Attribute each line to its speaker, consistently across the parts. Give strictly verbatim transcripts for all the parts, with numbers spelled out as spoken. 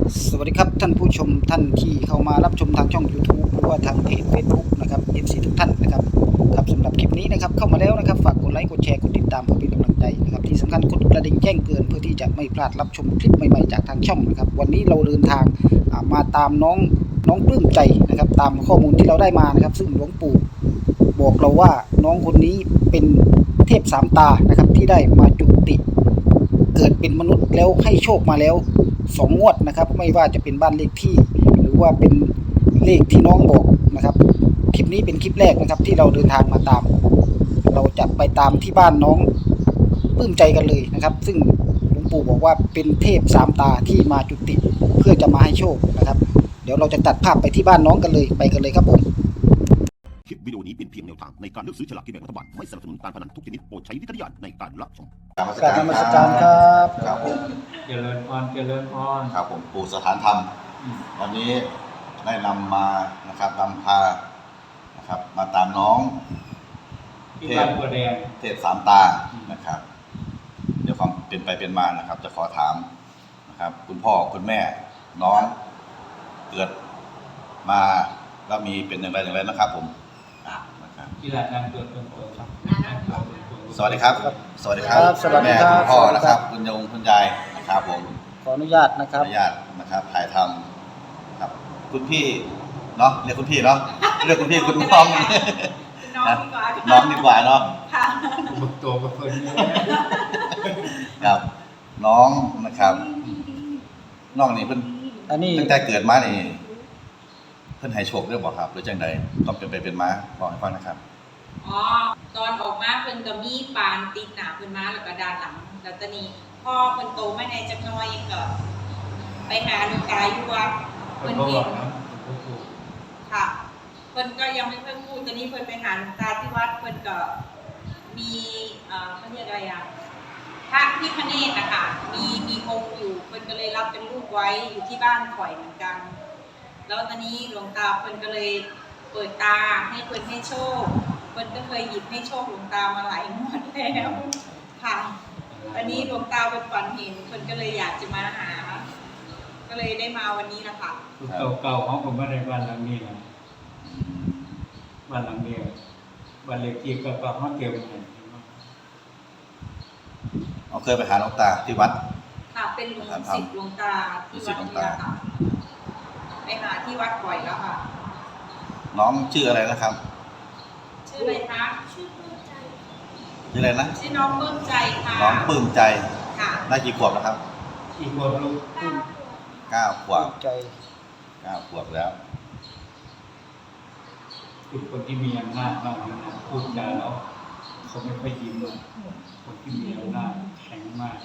Speaker 1: สวัสดีครับท่านผู้ชมท่านที่เข้ามารับชมทางช่อง YouTube หรือว่าทางเพจ Facebook นะครับ เอฟ ซี ทุกท่านนะครับครับสำหรับคลิปนี้นะครับเข้ามาแล้วนะครับฝากกดไลค์กดแชร์กดติดตามเพื่อเป็นกำลังใจนะครับที่สำคัญกดกระดิ่งแจ้งเตือนเพื่อที่จะไม่พลาดรับชมคลิปใหม่ๆจากทางช่องนะครับวันนี้เราเดินทางมาตามน้องน้องปลื้มใจนะครับตามข้อมูลที่เราได้มานะครับซึ่งหลวงปู่บอกเราว่าน้องคนนี้เป็นเทพสามตานะครับที่ได้มาจุติเกิดเป็นมนุษย์แล้วให้โชคมาแล้วสองงวดนะครับไม่ว่าจะเป็นบ้านเลขที่หรือว่าเป็นเลขที่น้องบอกนะครับคลิปนี้เป็นคลิปแรกนะครับที่เราเดินทางมาตามเราจะไปตามที่บ้านน้องปลื้มใจกันเลยนะครับซึ่งหลวงปู่บอกว่าเป็นเทพสามตาที่มาจุติเพื่อจะมาให้โชคนะครับเดี๋ยวเราจะตัดภาพไปที่บ้านน้องกันเลยไปกันเลยครับผม
Speaker 2: คลิปวิดีโอนี้เป็นเพียงแนวทางในการเลือกซื้อฉลากกินแบ่งรัฐบาลไม่สนับสนุนการพนันทุกชนิดโปรดใช้วิจารณญาณในการรับชม
Speaker 1: กราบนมัสการครับ
Speaker 3: ครับผม
Speaker 4: เจริญพรเจริญพร
Speaker 3: ครับผมปู่สถานธรรมวันนี้ได้นำมานะครับนำพานะครับมาตามน้อง
Speaker 4: ที่บ้านบัวแดง
Speaker 3: เทพสามตานะครับเดี๋ยวความเป็นไปเป็นมานะครับจะขอถามนะครับคุณพ่อคุณแม่น้องเกิดมาแล้วมีเป็นอย่างไรอย่างไรนะครับผมนะครับ
Speaker 4: ที่ร้านนำตัวตรงๆครับ
Speaker 3: สวัสดีครับสวัสดีครับแม่คุณพ่อนะครับคุณยงคุณยายนะครับผม
Speaker 1: ขออนุญาตนะครับ
Speaker 3: ขออนุญาตนะครับถ่ายทำครับคุณพี่เนาะเรียกคุณพี่เนาะเรียกคุณพี่คุณน้องน้องดีกว่าเนาะ
Speaker 4: บุกตัวกับเพื่อน
Speaker 3: ครับน้องนะครับน้องนี่เพิ่น
Speaker 1: อันนี้
Speaker 3: ตั้งแต่เกิดมานี่เพิ่นให้โชคเรื่องบอกครับหรือจังใดก็เป็นไปเป็นมาบอกให้ฟังนะครับ
Speaker 5: อ๋อตอนออกมาเพิ่นก็มีปานติดหน้าเพิ่นมาแล้วก็ด้านหลังแล้วตอนนี้พ่อเพิ่นโตมาในจักหน่อยก็ไปหาหลวงตาอยู่วัดเพิ่นเห็นค่ะเพิ่นก็ยังไม่เพิ่งพูดตอนนี้เพิ่นไปหาหลวงตาที่วัดเพิ่นก็มีเอ่อเขาเรียกอะไรอ่ะพระพิฆเนศนะคะมีมีองค์อยู่เพิ่นก็เลยรับเป็นลูกไว้อยู่ที่บ้านข่อยเหมือนกันแล้วตอนนี้หลวงตาเพิ่นก็เลยเปิดตาให้เพิ่นให้โชคเพิ่นก็เคยหยิบให้โชคหลวงตามาหลายงวดแล้วค่ะตอนนี้หลวงตาเป็นฝันเห็นเพิ่นก็เลยอยากจะมาหาก็เลยได้มาวันนี้นะคะ
Speaker 4: เก่าๆของผมมาในบ้านหลังนี้นะบ้านหลังเดียวบ้านเล็กที่ก็ก็ห้องเดียวกัน
Speaker 3: เอาเคยไปหาหลวงตาที่วัด
Speaker 5: ค่ะเป็นหลวงศิษย์หลวงตาที่วัดนี้ค่ะไปหาที่วัดบ่อยแล้วค่ะ
Speaker 3: น้องชื่ออะไรนะครับ
Speaker 5: ชื่ออะไรคะชื่อปลื้มใจ
Speaker 3: ชื่ออะไรนะ
Speaker 5: ชื่อน้องปลื้มใจค่ะ
Speaker 3: น้องปลื้มใจ
Speaker 5: ค่ะ
Speaker 3: ได้กี่ขวบแล้วครับ
Speaker 4: กี่ขวบลูก
Speaker 3: เก้าขวบ
Speaker 1: ใจ
Speaker 3: เก้าขวบแล้ว
Speaker 4: คือคนที่มีอำนาจมากนะพูดจาแล้วเขาไม่ค่อยยิ้มเลยคนที่มีอำนาจแข็งมาก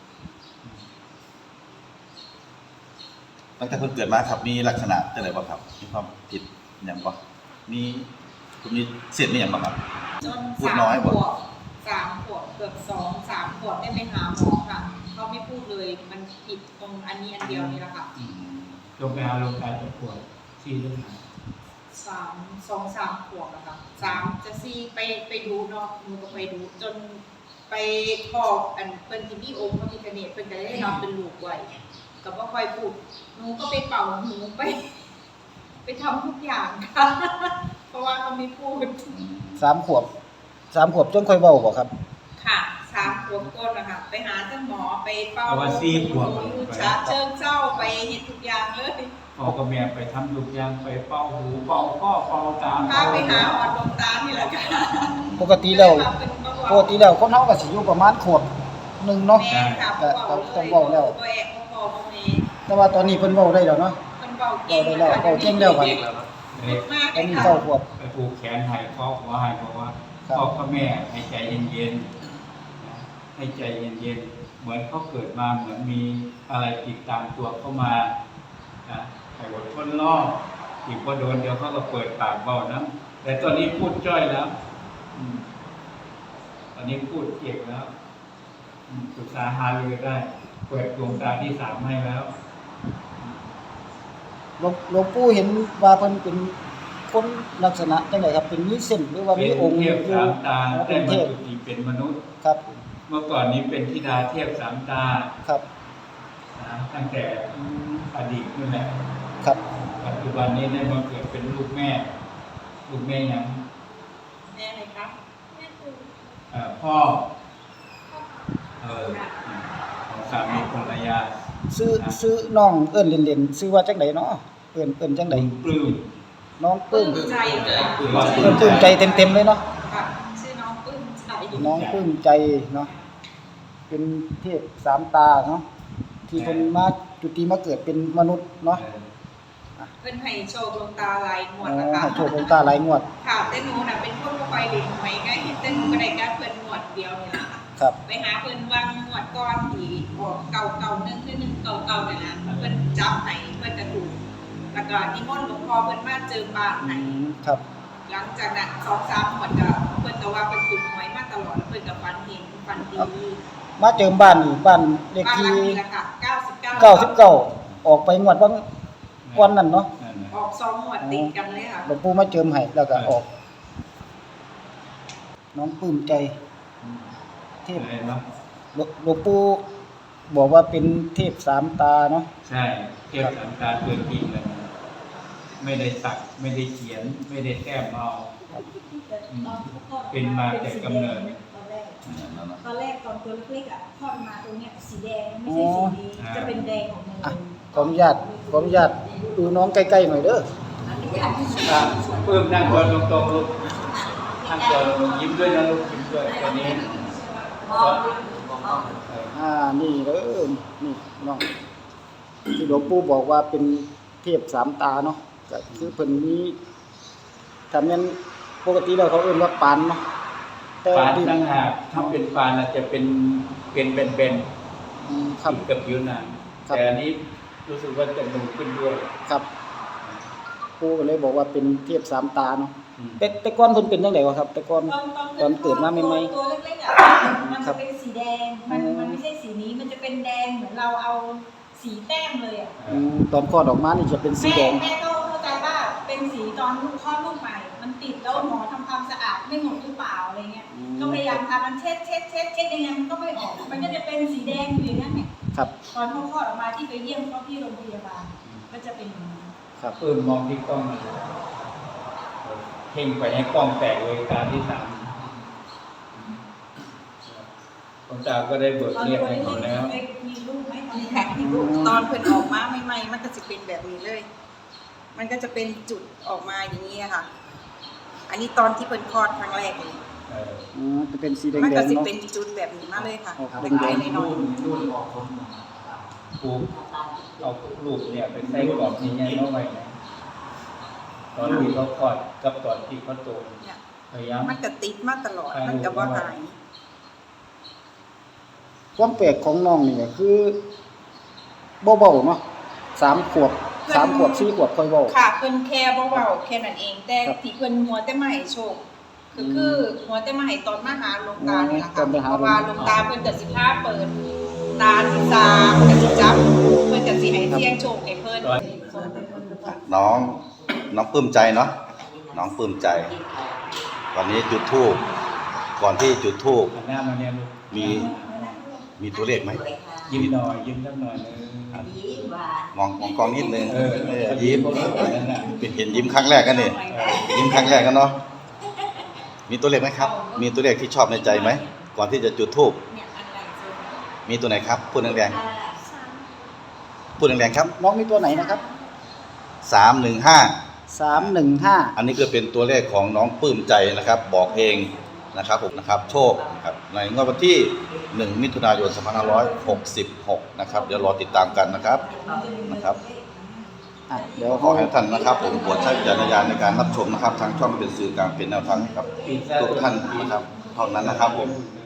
Speaker 3: ตั้งแต่เพิ่งเกิดมาครับมีลักษณะจังไรบ้างครับมีความผิดอย่างบ้างมีคุณมีเศษมีอย่างบ้างครับ
Speaker 5: จนสามขวบสามขวบเกือบสองสามขวบได้ไปหาหมอค่ะเขาไม่พูดเลยมันผิดตรงอันนี้อันเดียวนี่แหละค่ะ
Speaker 4: ลงไปหาลงตาจะปวดที่เรื่องไหน
Speaker 5: สามสองสามขวบอะค่ะสามจะซี่ไปไปดูเนาะหนูก็ไปดูจนไปพออันเป็นที่พี่องค์พระพิฆเนศเป็นจะได้นอนเป็นลูกไว้ก็บ่ค่อยพูดหนูก็ไปเป่าหูไปไปทำทุกอย่างค่ะเพราะว่าเขาไม่พูด
Speaker 1: สามขวบสามขวบจนค่อยเว้าบ่ครับ
Speaker 5: ค่ะสามขวบก้นนะคะไปหาเจ้าหมอไปเป่า
Speaker 4: หู
Speaker 5: ชาเชิงเจ้าไปเห็นทุกอย่างเลย
Speaker 4: พ่อกับแม่ไปทำทุกอย่างไปเป่าหูเป่าข้อเป่าตา
Speaker 5: พาไปหาหอดดวงตานี่แหละค่ะ
Speaker 1: ปกติแล้วปกติแล้วคนเฮาก็สิอยู่ประมาณขวบหนึ่งเนาะ
Speaker 5: ก็
Speaker 1: ต้องเว้าแล้วแต่ว่าตอนนี้เพิ่นเว้าได้แล้วเนาะ
Speaker 5: เพิ่นเว้าเก่ง
Speaker 1: ได้แล้วเว้าเก่งแล้วครับ
Speaker 5: อัน
Speaker 1: นี้เก้าขวบ
Speaker 4: ไปผูกแขนให้พ่อขอให้บอกว่าพ่อกับแม่ให้ใจเย็นๆให้ใจเย็นๆเหมือนเขาเกิดมาเหมือนมีอะไรติดตามตัวเข้ามานะให้อดทนรออีกพอโดนเดี๋ยวเขาก็เปิดปากเบานะแต่ตอนนี้พูดจ้อยแล้วตอนนี้พูดเก่งแล้วปรึกษาหารือได้เปิดดวงตาที่สามให้แล้ว
Speaker 1: หลวงปู่เห็นว่าเพิ่นเป็นคนลักษณะจังไดครับเป็นมีเส้นหรือว่ามีองค์
Speaker 4: เทพสามตาได้มาจุติเป็นมนุษย์
Speaker 1: ครับ
Speaker 4: เมื่อก่อนนี้เป็นธิดาเทพสามตา
Speaker 1: ครับ
Speaker 4: นะตั้งแต่อดีตนั่นแหละ
Speaker 1: ครับ
Speaker 4: ปัจจุบันนี้ได้มาเกิดเป็นลูกแม่ ลูกแม่ยัง
Speaker 5: แม่ไหนครับ
Speaker 4: เอ่อพ่อเออของสามีภรรยา
Speaker 1: ซื้อซื้อน้องเอิ้นเล่นๆซื้อว่าจังไดเนาะเอิ้นเอิ้นจังได
Speaker 4: ปลื้ม
Speaker 1: น้องปลื้ม
Speaker 5: ปลื้มใจค่ะ
Speaker 4: ปลื้ม
Speaker 1: เอิ้นปลื้มใจเต็มๆเลยเนาะ
Speaker 5: ค่ะชื่อน้องปลื้มใจ
Speaker 1: น้องปลื้มใจเนาะเป็นเทพสามตาเนาะที่เพิ่นมาจุติมาเกิดเป็นมนุษย์เนาะ
Speaker 5: เพิ่นให้โชคลงตาลายหม
Speaker 1: อ๋
Speaker 5: ด
Speaker 1: อ
Speaker 5: นะคะ
Speaker 1: ให้โชคลงตาหลายงวด
Speaker 5: ค่ะแต่หนูน่ะเป็นคนบ่ค่อยเล่นหวยไงแต่หนูก็ได้การเพิ่นหมวดเดียวนี่ล่ะค่ะ
Speaker 1: ครับ
Speaker 5: ไปหาเพิ่นวางหมวดก่อนที่ออกเก่าเก่าหนึ่งคือหนึ่งเก่าเก่านั่นน่ะเพิ่นจับให้เพิ่นจะถูกแล้วก็นิมนต์หลวงพ่อเพิ่นมาเจิมบ้าน
Speaker 1: อื
Speaker 5: ให้
Speaker 1: มครับ
Speaker 5: หลังจากนั้นสองสามหมวดก็เพิ่นก็ว่าเพิ่นถูกหวยมาตลอดแล้วเพิ่นก็ฝันเห็นฝันดี
Speaker 1: มาเจิมบ้านนี่บ้านเลข
Speaker 5: บ้านหลั
Speaker 1: ที่
Speaker 5: งนี้ล่ะค่ะเก้าสิบเก้า
Speaker 1: เก้าสิบเก้าออกไปงวดบางก่อนนั้นเนาะ
Speaker 4: นั่นน่ะ
Speaker 5: ออกสองหมวดติดกันเลยค่ะ
Speaker 1: หลวงปู่มาเจิมให้แล้วก็ออก น้องปลื้มใจ เทพ
Speaker 4: อะไรเนาะ
Speaker 1: หลวหลวงปู่บอกว่าเป็นเทพสามตาเนาะ
Speaker 4: ใช่เทียบสันตาตัวจริงเลย ไม่ได้สักไม่ได้เขียน ไม่ได้แต้มเอาอืมเป็นมาแต่กำเนิด
Speaker 6: ตอนแรก
Speaker 3: นั่นนะ
Speaker 6: ตอนแรกตอนตัวเล็กๆอ่ะทอดมาตรงเนี้ยสีแดงไม่ใช่สีนี้
Speaker 4: อ๋อ
Speaker 6: จะเป็นแดงของมัน
Speaker 1: อ่ะขออนุญาตขออนุญาตดูน้องใกล้ๆหน่อยเด้อ
Speaker 4: อ่ะเพิ่มนั่งตัวตรงๆลูกนั่งตัวลงยิ้มด้วยนะลูกยิ้มด้วยตัวนี้
Speaker 1: อ่านี่เด้อนี่น้องที่หลวงปู่บอกว่าเป็นเทพสามตาเนาะก็คือเพิ่นมีถ้าแม่นปกติแล้วเขาเอิ้นว่าปานเนาะแต่
Speaker 4: ปาน
Speaker 1: ที่
Speaker 4: ตั้งหากถ้าเป็นปานอาจจะเป็นเป็นเป็นเป็น
Speaker 1: อืมครับ
Speaker 4: ติดกับผิวหนัง
Speaker 1: ครับ
Speaker 4: แต่อันนี้รู้สึกว่าจะนูขึ้นด้วย
Speaker 1: ครับปู่ก็เลยบอกว่าเป็นเทพสามตาเนาะ
Speaker 4: อืม
Speaker 1: แต่แต่ก่อนเพิ่นเป็นจังไดวะครับ แต่ก่อน
Speaker 6: ตอนตอน
Speaker 1: ตอนเกิดมาใหม่ๆ
Speaker 6: ตัวเล็กๆอ่ะมัน
Speaker 1: ครั
Speaker 6: จะ
Speaker 1: บ
Speaker 6: เป็นสีแดงมัน
Speaker 1: อืม
Speaker 6: มันไม่ใช่สีนี้มันจะเป็นแดงเหมือนเราเอาสีแต้มเลยอ่ะ
Speaker 1: อืมตอนคลอดออกมานี่จะเป็นสี
Speaker 6: แม่
Speaker 1: แดง
Speaker 6: แม่ก็เข้าใจว่าเป็นสีตอนลูกคลอดลูกใหม่ มันติดแล้วหมอทำความสะอาดไม่หมดหรือเปล่าอะไรเงี้ย
Speaker 1: อืม
Speaker 6: ก็พยายามทำมันเช็ดเช็ดเช็ดเช็ดยังไงมันก็ไม่ออก มันก็จะเป็นสีแดงอยู่อย่างนั้นเนี่ย
Speaker 1: ครับ
Speaker 6: ตอนเขาคลอดออกมาที่ไปเยี่ยมเขาที่โรงพยาบาลก็จะเป็นอย่างนั้น
Speaker 1: ครับ
Speaker 4: เพิ่มมองที่กล้องเพ่งไปให้กล้องแตกเลยการที่สามคนตาก็ได้เบิก
Speaker 6: ตอน
Speaker 4: เรียก
Speaker 6: ตัว
Speaker 4: ให้
Speaker 6: เล็
Speaker 4: เขา
Speaker 6: ก
Speaker 4: แล้ว
Speaker 6: ๆมีลูกไหมตอน
Speaker 5: นี่
Speaker 6: นี้
Speaker 5: ค่ะที่ลูกตอนเพิ่นออกมาใหม่ๆมันก็จะเป็นแบบนี้เลย มันก็จะเป็นจุดออกมาอย่างนี้ค่ะ อันนี้ตอนที่เพิ่นคลอดครั้งแรกเลย
Speaker 4: เออ
Speaker 1: อืมจะเป็นสีแดง
Speaker 5: มัน
Speaker 1: ๆ
Speaker 5: ก็จะ
Speaker 1: เนาะ
Speaker 5: เป็นจุดแบบนี้มาเลยค่ะ
Speaker 1: ออก
Speaker 5: เป็น
Speaker 1: แด
Speaker 5: ลาย
Speaker 1: ง
Speaker 5: น้อย
Speaker 4: รุ่นออกคนปลูกเอาลูกเนี่ยไปใส่กรอบนี้เนี่ยเข้าไปนะตอนที่เขาคลอดกับตอนที่เขาโต
Speaker 5: ๆเนี่ย
Speaker 4: พยายาม
Speaker 5: มันก็ติดมาตลอด มันก็บ่หาย
Speaker 1: ความแปลกของน้องนี่ก็คือเบาๆเนาะสามขวบสามขวบสี่ขวบค่อยเว้า
Speaker 5: ค่ะเพิ่นแค่เบาๆแค่นั้นเอง แต่
Speaker 1: ครับ
Speaker 5: ที่เพิ่นมัวแต่มาให้โชคก็คือมัวแต่มาให้ตอนมาหาหลวงตานี่แหละ
Speaker 1: ตอ
Speaker 5: ค่ะ
Speaker 1: นไปหา
Speaker 5: เพราะว่าหลวงตาเพิ่นก็สิพาเปิดตาสิสามก็สิจับเพิ่นก็สิให้เสี่ยงโชคให้เพิ่น
Speaker 3: น้องน้องปลื้มใจเนาะน้องปลื้มใจ วันนี้จุดธูปก่อนที่จุดธูป
Speaker 4: หันหน้ามาเนี่ยลูก
Speaker 3: มีมีตัวเลขไหม
Speaker 4: ยิ้มหน่อยยิ้มสักหน่อยนึง
Speaker 3: มองมองกล้องนิดนึง
Speaker 4: เออ
Speaker 3: เออยิ้ม
Speaker 4: นั่นน่ะ
Speaker 3: เป็นเห็นยิ้มครั้งแรกกันนี่ยิ้มครั้งแรกกันเนาะมีตัวเลขไหมครับ มีตัวเลขที่ชอบในใจไหมก่อนที่จะจุดธูป
Speaker 5: เนี่ยอันไหนสุด
Speaker 3: มีตัวไหนครับพูดแรงๆพูดแรงๆครับ
Speaker 1: น้องมีตัวไหนนะครับ
Speaker 3: สามหนึ่งห้า
Speaker 1: สามหนึ่งห้า
Speaker 3: อันนี้ก็เป็นตัวเลขของน้องปลื้มใจนะครับ บอกเองนะครับผมนะครับ โชคนะครับในงวดวันที่หนึ่งมิถุนายนสองพันห้าร้อยหกสิบหกนะครับเดี๋ยวรอติดตามกันนะครับนะครับ
Speaker 1: อ่ะเดี๋ยว
Speaker 3: ข
Speaker 1: เขา
Speaker 3: อให้ท่านนะครับผมโปรดใช้วิจารณญาณในการรับชมนะครับทางช่องเป็นสื่อกลางเป็นแนวทางให้กับทุกท่านนะครับเท่านั้นนะครับผม
Speaker 4: เ